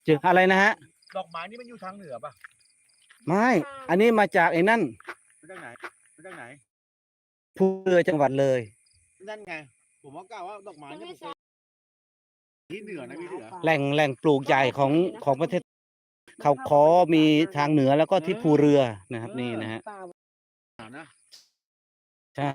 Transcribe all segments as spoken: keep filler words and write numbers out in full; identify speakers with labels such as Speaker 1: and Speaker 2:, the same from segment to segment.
Speaker 1: เจออะไรนะฮะ
Speaker 2: ดอกไม้นี่มันอยู่ทางเหนือป่ะ
Speaker 1: ไม่อันนี้มาจากไอ้นั่น
Speaker 2: มาจากไหนมาจากไหน
Speaker 1: ภูเรือจังหวัดเลย
Speaker 2: นั่นไงผมว่ากล่าวว่าดอกไม้เนี่ยที่เหนือนะพี่เหนือ
Speaker 1: แหล่งแหล่งปลูกใหญ่ของของประเทศเขาขอมีทางเหนือแล้วก็ที่ภูเรือนะครับนี่นะฮะ
Speaker 2: นะ
Speaker 1: ใช่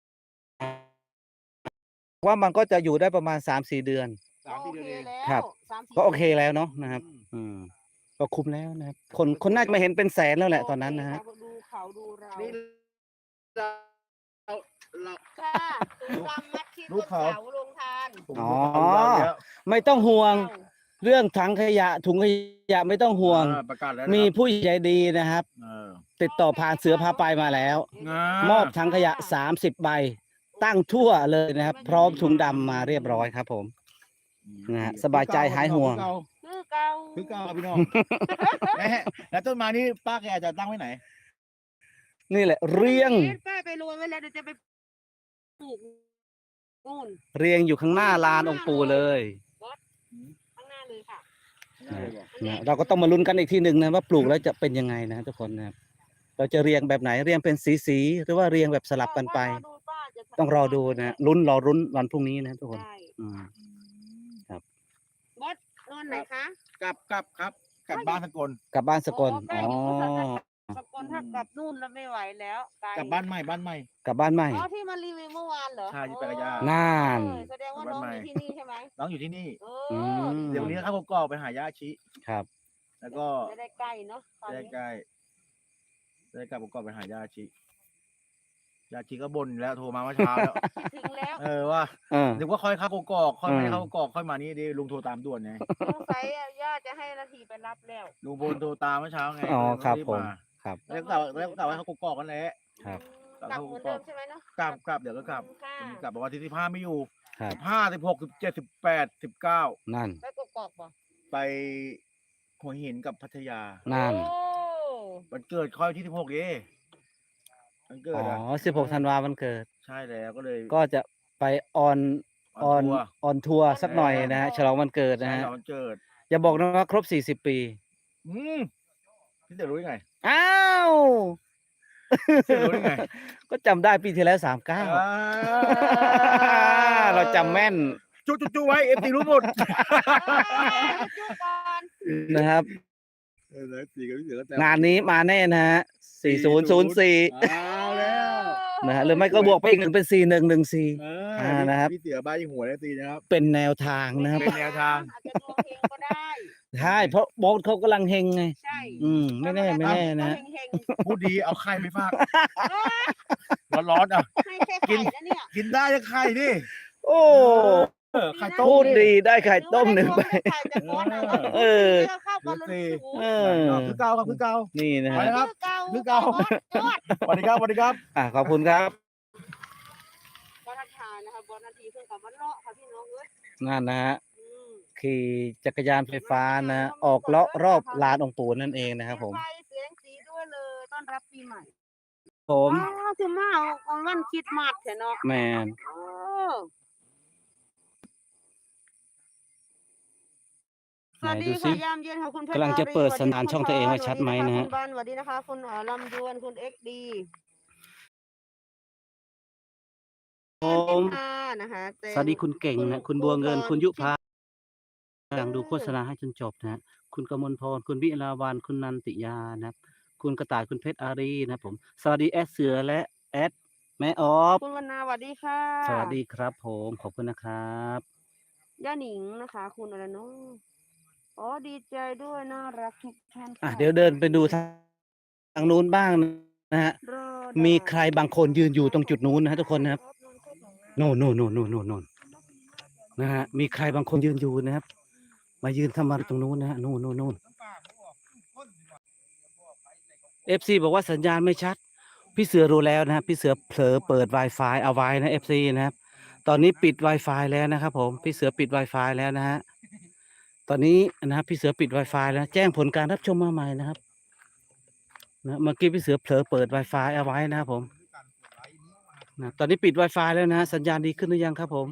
Speaker 1: ว่ามันก็จะอยู่ได้ประมาณสามสี่เดือน
Speaker 2: สามสี่เดือนเอง
Speaker 1: ครับก็โอเคแล้วเนาะนะครับอืมก็คุ้มแล้วนะครับคนคนน่าจะมาเห็นเป็นแสนแล้วแหละตอนนั้นนะฮะ
Speaker 3: ดูเขาดูเรา
Speaker 2: นี่เราเรา
Speaker 3: ค่ะดูความมัดที่ต้นเสาลงทาน
Speaker 1: อ๋อไม่ต้องห่วงเรื่องถังขยะถุงขยะไม่ต้องห่วง
Speaker 2: ประกาศแล้ว
Speaker 1: มีผู้ใหญ่ดีนะครับติดต่อผ่านเสือพาไปมาแล้ว มอบถังขยะสามสิบใบตั้งทั่วเลยนะครับ พร้อมถุงดำมาเรียบร้อยครับผมนะฮะสบายใจหายห่วง
Speaker 3: คือเก่า
Speaker 2: คือเก่าพี่น้องแล้วต้นไม้นี้ป้าแกจะตั้งไว้ไหน
Speaker 1: นี่แหละเรียง
Speaker 3: ป้าไปโรยไว้แล้วเดี๋ยวจะไปปลูกนู่น
Speaker 1: เรียงอยู่ข้างหน้าลานองค์ปู่เลย
Speaker 3: ข้างหน้าเลยค่ะ
Speaker 1: นะเราก็ต้องมาลุ้นกันอีกทีหนึ่งนะว่าปลูกแล้วจะเป็นยังไงนะทุกคนนะครับเราจะเรียงแบบไหนเรียงเป็นสีสีหรือว่าเรียงแบบสลับกันไป ต้องรอดูนะลุ้นรอรุ้นวันพรุ่งนี้นะทุกคนอืมครับ
Speaker 3: บอสนอนไหนคะ
Speaker 2: กลับกลับครับกลับบ้านสกล
Speaker 1: กลับบ้านสกล
Speaker 3: อ๋
Speaker 1: อ๋
Speaker 3: อ
Speaker 1: อ
Speaker 3: สกลถ้ากลับนู่นแล้วไม่ไหวแล้วไกล
Speaker 2: กลับบ้านใหม่บ้านใหม่
Speaker 1: กลับบ้านใหม่
Speaker 3: อ๋อที่มารีวิวเมื่อวานเหรอ
Speaker 2: ใช่ที่ไปกับย่า
Speaker 1: น่าน
Speaker 3: เออแสดงว่าน้องอยู่ที่นี่ใช่ไหม
Speaker 2: น้องอยู่ที่นี่
Speaker 3: เอ
Speaker 1: อื
Speaker 3: อ
Speaker 1: ม
Speaker 2: เดี๋ยววันนี้เข้ากอกไปหาย่าชิ
Speaker 1: ครับ
Speaker 2: แล้วก็
Speaker 3: จะได้ใกล้เนาะตอน
Speaker 2: ได้
Speaker 3: นี้
Speaker 2: ใกล้ได้กลับกอกไปหาย่าชิย่าชิก็บ่นแล้วโทรมาเมื่อเช้าแล้ว
Speaker 3: ถึงแล้ว
Speaker 2: เออว่า
Speaker 1: เออ
Speaker 2: นึกว่าค่อยเข้ากอกค่อยไม่ได้
Speaker 1: อืม
Speaker 2: เข้ากอกค่อยมานี่ดิลุงโทรตามด่วนไง
Speaker 3: สงสัยอะย่าจะให้นาทีไปรับแล้ว
Speaker 2: ลุงบนโทรตามเมื่อเช้าไง
Speaker 1: อ๋อครับ
Speaker 2: เลย
Speaker 1: ผม
Speaker 2: มา
Speaker 1: ครับ
Speaker 2: แล้วก็กลับแล้วก็กลับไปเข้ากอกกันแหละ
Speaker 1: ครับ
Speaker 3: กลับเหมือนเดิมใช่ไหมเนาะ
Speaker 2: กลับกลับเดี๋ยวก็กลับ
Speaker 3: ค่ะ
Speaker 2: กลับบอกว่าที่สิบห้าไม่อยู่
Speaker 1: ครับ
Speaker 2: สิบห้าสิบหกสิบเจ็ดสิบแปดสิบเก้า
Speaker 1: นั่น
Speaker 3: ไปกกอกบ่
Speaker 2: ไปหัวหินกับพัทยา
Speaker 1: นั่น
Speaker 3: โอ้
Speaker 2: วันเกิดค่อยที่สิบหกเองวันเกิ
Speaker 1: อ๋
Speaker 2: ดอ่ะ
Speaker 1: อสิบหกธันวาวันเกิด
Speaker 2: ใช่แล้วก็เลย
Speaker 1: ก็จะไปออนออน
Speaker 2: ทัวร์
Speaker 1: ออนทัวร์สักหน่อยนะฮะฉลองวันเกิดนะ
Speaker 2: ใช่
Speaker 1: ฮะ
Speaker 2: แล้ววันเกิด
Speaker 1: อย่าบอกนะว่าครบสี่สิบปี
Speaker 2: อืมพี่เต๋อรู้ยังไง
Speaker 1: อ้าว
Speaker 2: พี่เต๋อรู้ยังไง
Speaker 1: ก็จำได้ปีที่แล้วสามเก้า
Speaker 2: อ่า
Speaker 1: เราจำแม่น
Speaker 2: จุ๊จุ๊จุ๊ไว้เอฟซีรู้หมด
Speaker 3: จุ๊ก่อน
Speaker 1: นะครับ
Speaker 2: เออแล้วสี่กับพี่เต๋อก็แต่
Speaker 1: งานนี้มาแน่นะฮะสี่ศูนย์ศูนย์สี่
Speaker 2: เอาแล้ว
Speaker 1: นะฮะหรือไม่ก็บวกไปอีกหนึ่งเป็นสี่หนึ่งหนึ่งสี่
Speaker 2: เอ
Speaker 1: อ่านะครับ
Speaker 2: พี่เต๋อบ้ายิงหัวแล้วตีนะครับ
Speaker 1: เป็นแนวทางนะครับ
Speaker 2: เป็นแนวทาง
Speaker 3: อาจจะดวงเฮงก็ได้
Speaker 1: ใช่เพราะโบ๊ทเขากำลังเฮงไง
Speaker 3: ใช่
Speaker 1: อืมไม่แน่ไม่แน่นะ
Speaker 3: เฮง
Speaker 2: พูดดีเอาไข่ไปฝากร้อนๆอ่ะ
Speaker 3: ๆให้แค่ไข่นะเนี่ย
Speaker 2: กินได้จะไข่ดิ
Speaker 1: โอ้
Speaker 2: เออไข่ต้ม
Speaker 1: พูดดีได้ไข่ต้มหนึ่งใบ
Speaker 3: ไข่แต่ก้อนอะ
Speaker 1: เออ
Speaker 3: เข้ากันเลย
Speaker 1: เอ
Speaker 2: เอ
Speaker 1: อ
Speaker 2: อคือเก่าครับคือเก่า
Speaker 1: นี่นะ
Speaker 2: ไป
Speaker 1: ฮะ
Speaker 2: นะครับ
Speaker 3: คือเก่า
Speaker 2: คือเก่า
Speaker 3: ยอด
Speaker 2: สวัสดีครับสวัสดีครับ
Speaker 1: อ่ะขอบคุณครับ
Speaker 3: บอลทานนะคะบอลนาทีเพิ่งกับวันเลาะค่ะพี่น้องเอ้ย
Speaker 1: นั่นนะฮะ
Speaker 3: อืม
Speaker 1: ขี่จักรยานไฟฟ้านะ ออกเลาะรอบลานองค์ปู่นั่นเองนะครับผม
Speaker 3: ไฟเสียงสีด้วยเลยต้อนรับปีใหม่
Speaker 1: ผม
Speaker 3: อ้าวคือมาเอาวันคิดมาดเถอะเนาะ
Speaker 1: แมน
Speaker 3: โอ้ส
Speaker 1: ไหน
Speaker 3: วัส
Speaker 1: ดู
Speaker 3: ดี
Speaker 1: สิ
Speaker 3: ค่ะยามเย็นค่ะคุณเพชร
Speaker 1: กำลังจะเปิด
Speaker 3: อารี
Speaker 1: สัญญาณช่องตัวเองไว้ชัดไหมนะฮะ
Speaker 3: คุณบานสวัสดีนะคะคุณเอ่อลำดวนคุณเอ็กดี
Speaker 1: ผม
Speaker 3: นะคะเต็ม
Speaker 1: สวัสดีคุณเก่งนะคุณบัวเงินคุณยุพาหลังดูโฆษณาให้จนจบนะฮะคุณกมลพรคุณวิลาวันคุณนันติยานะครับ คุณกระต่ายคุณเพชรอารีนะครับผม สวัสดีแอดเสือและแอดแม่ออฟ
Speaker 3: คุณวรรณาสวัสดีค่ะ
Speaker 1: สวัสดีครับผมขอบคุณนะครับ
Speaker 3: ย่าหนิงนะคะ คุณอะไรเนาะอ๋อดีใจด้วยน่ารักทุกท่าน
Speaker 1: อ่ะ
Speaker 3: ค่ะ
Speaker 1: เดี๋ยวเดินไปดูทางนู้นบ้างนะฮะ
Speaker 3: รอด
Speaker 1: มีใครบางคนยืนอยู่ตรงจุดนู้นนะฮะทุกคนนะครับโน่นโน่นโน่นโน่นโน่นโน่นนะฮะมีใครบางคนยืนอยู่นะครับ มายืนทำอะไรตรงนู้นนะฮะโน่นโน่นโน่นเอฟซีบอกว่าสัญญาณไม่ชัด พี่เสือรู้แล้วนะฮะพี่เสือเผลอเปิด Wi-Fi เอาไว้นะเอฟซีนะครับ ตอนนี้ปิด Wi-Fi แล้วนะครับผมพี่เสือปิด Wi-Fi แล้วนะฮะตอนนี้นะครับพี่เสือปิด Wi-Fi แล้วแจ้งผลการรับชมมาใหม่นะครับนะเมื่อกี้พี่เสือเผลอเปิด Wi-Fi เอาไว้นะครับผมนะตอนนี้ปิด Wi-Fi แล้วนะฮะสัญญาณดีขึ้นหรือยังครับผม